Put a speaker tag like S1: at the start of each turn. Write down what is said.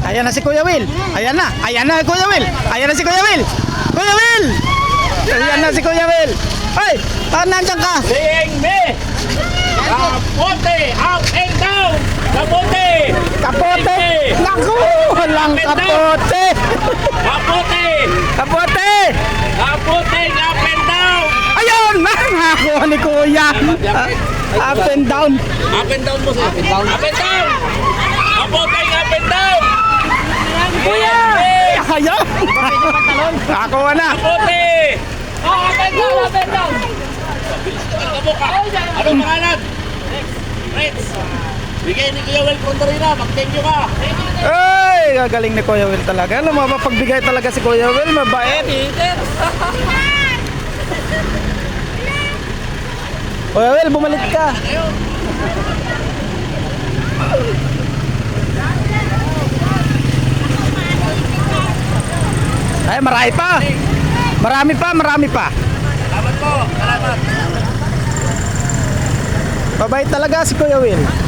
S1: Ayan na si Kuya Will. Ayan na Kuya Will. Ayan na si Kuya Will. Kuya Will. Ayan na si Kuya Will. Ay, nandiyan ka.
S2: Seeing me. Kapote, up and down. Kapote.
S1: Kapote. Naku, walang kapote.
S2: Kapote.
S1: Kapote.
S2: Kapote, up and down.
S1: Ayun, nakakuha ni Kuya. Up and down.
S2: Up and down mo sir. Up and down. Up and down. Kapote, up and down. Kuya.
S1: Ayun. Nakakuha na.
S2: Kapote. Up and down, up and down. Ano pangalan? Rex. Bigay ni Kuya Will Condorina. Mag-thank you ka.
S1: Ay, gagaling ni Kuya Will talaga. Alam mo, mapagbigay talaga si Kuya Will. Mabait. Kuya Will, bumalik ka. Ay, marami pa. Marami pa.
S2: Salamat po. Salamat.
S1: Mabait talaga si Kuya Will.